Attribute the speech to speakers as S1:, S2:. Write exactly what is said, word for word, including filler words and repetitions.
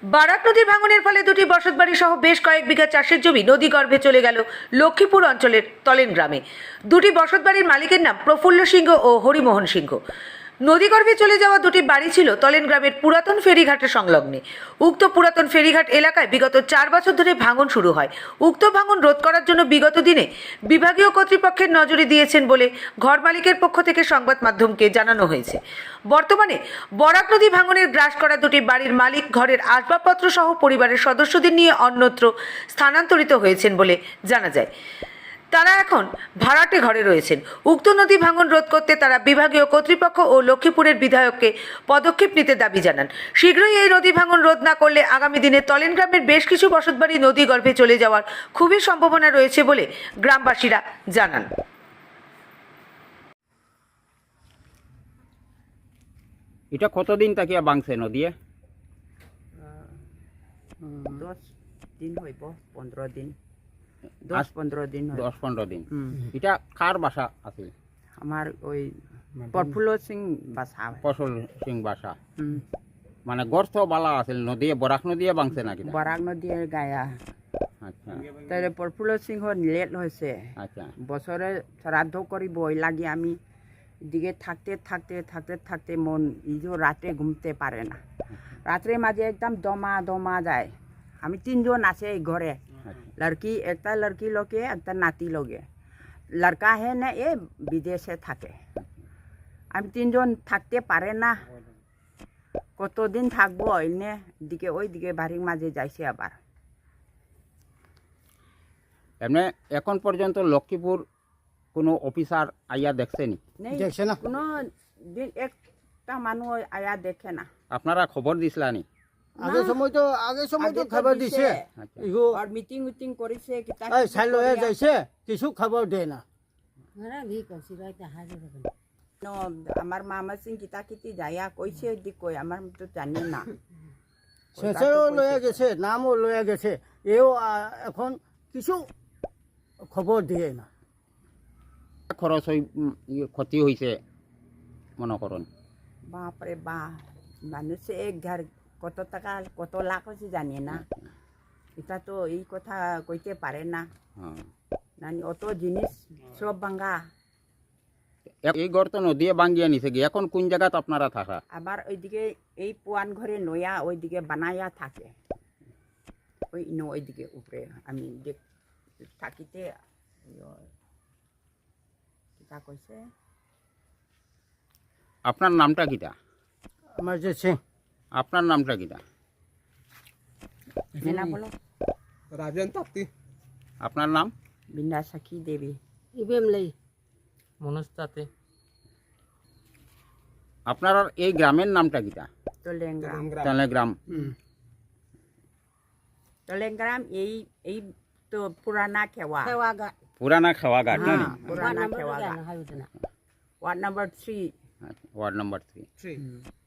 S1: Barack নদীর ভাঙনের ফলে দুটি বসতবাড়ি সহ বেশ কয়েক বিঘা চাষের জমি নদীগর্ভে চলে গেল লক্ষ্মীপুর অঞ্চলের তলেন গ্রামে। দুটি বসতবাড়ির মালিকের নাম প্রফুল্ল সিংহ ও হরিমোহন সিংহ। নদীগর্ভে চলে যাওয়া দুটি বাড়ি ছিল তলেন গ্রামের পুরাতন ফেরিঘাটের সংলগ্নে। উক্ত পুরাতন ফেরিঘাট এলাকায় বিগত চার বছর ধরে ভাঙন শুরু হয়। উক্ত ভাঙন রোধ করার জন্য বিগত দিনে বিভাগীয় কর্তৃপক্ষের নজরে দিয়েছেন বলে ঘর মালিকের পক্ষ থেকে সংবাদ মাধ্যমকে জানানো হয়েছে। বর্তমানে বরাক নদী ভাঙনের গ্রাস করা দুটি বাড়ির মালিক ঘরের আসবাবপত্র সহ পরিবারের সদস্যদের নিয়ে অন্যত্র স্থানান্তরিত হয়েছেন বলে জানা যায়। তারা এখন ভাড়াটে ঘরে রয়েছেন। উক্ত নদী ভাঙন রোধ করতে তারা বিভাগীয় কর্তৃপক্ষ ও লক্ষ্মীপুরের বিধায়ককে পদক্ষেপ নিতে দাবি জানান। শীঘ্রই এই নদী ভাঙন রোধ না করলে আগামী দিনে তলেন গ্রামের বেশ কিছু বসতবাড়ি নদী গর্ভে চলে যাওয়ার খুবই সম্ভাবনা রয়েছে বলে গ্রামবাসীরা জানান।
S2: এটা কতদিন তাকিয়া বাংছে নদীয়ে?
S3: দশ দিন হইব, পনেরো দিন, দশ পনেরো দিন হইব।
S2: দশ পনেরো দিন। এটা কার বাসা আছে?
S3: আমার ওই প্রফুল্ল সিং বাসা।
S2: ফসল সিং বাসা।
S3: হুম।
S2: মানে গর্ত বালা আছিল নদীয়ে, বরাক নদীয়ে বাংছে নাকি?
S3: বরাক নদীর গায়া।
S2: আচ্ছা
S3: তাহলে প্রফুল্ল সিংহ লেট হয়েছে,
S2: আচ্ছা
S3: বছরে শ্রাদ্ধ করিব, ওই লাগে আমি এদিকে থাকতে থাকতে থাকতে থাকতে মন ইজো রাতে ঘুমতে পারে না। রাত্রে মাঝে একদম দমা দমা যায়। আমি তিনজন আছে এই ঘরে, লড়কি একটা লড়কি লোকে একটা নাতি লোকে। লড়কা হে না এ বিদেশে থাকে। আমি তিনজন থাকতে পারে না, কতদিন থাকবো এনে দিকে ওই দিকে বাড়ির মাঝে যাইছে আবার।
S2: এমনি এখন পর্যন্ত লক্ষ্মীপুর কোনো অফিসার আইয়া দেখছেনি?
S3: দেখছে না কোনো দিন, একটা মানুষ আয়া দেখে না।
S2: আপনারা খবর দিছিলানি?
S4: আগে সময় তো আগে সময় তো খবর দিছে,
S2: আচ্ছা
S4: ইগো
S3: আর মিটিং উটিং করিছে কিতা
S4: এই চাই লয়ে যাইছে, কিছু খবর দেয় না।
S3: ন আমার মামা সিং কিতা কিতি যায়া কইছে দি কই আমার তো জানি না।
S4: শেষেও লয়ে গেছে, নামও লয়ে গেছে, এও আহ, এখন কিছু খবর দিয়ে না।
S2: খরচ হই উম, ইয়ে ক্ষতি হয়েছে মনে করুন?
S3: বাপরে বা, মানুষে এক ঘর কত টাকা কত লাখ হচ্ছে জানি না। এটা তো এই কথা কইতে পারে না।
S2: হ্যাঁ।
S3: নানি অত জিনিস সব ভাঙ্গা।
S2: এই ঘর তো নদীয়ে বাঙ্গিয়া নিছে গিয়ে, এখন কোন জায়গাত আপনারা থাকা?
S3: আবার ওইদিকে এই পুয়ান ঘরে নয়া ওইদিকে বানায়া থাকে, ওই ন ওইদিকে উপরে আমি দেখ থাকিতে কিতা কইছে।
S2: আপনার নামটা কিটা?
S4: আমার যে সিং,
S2: আপনার নামটা কিটা?
S3: মেনা বলো।
S5: রাজেন তাপ্তি।
S2: আপনার নাম?
S3: বিন্দা সাখী দেবী।
S5: মনোজ তাতে।
S2: আপনার এই গ্রামের নামটা কিটা?
S3: তলেংগ্রাম।
S2: তেলেগ্রাম।
S3: তলেংগ্রাম এই এই তো পুরানা খেওয়া।
S2: পুরানা খাওয়াঘাট না?
S3: হ্যাঁ, পুরানা খেওয়া। Ward number three.
S2: Ward number three.
S5: Three.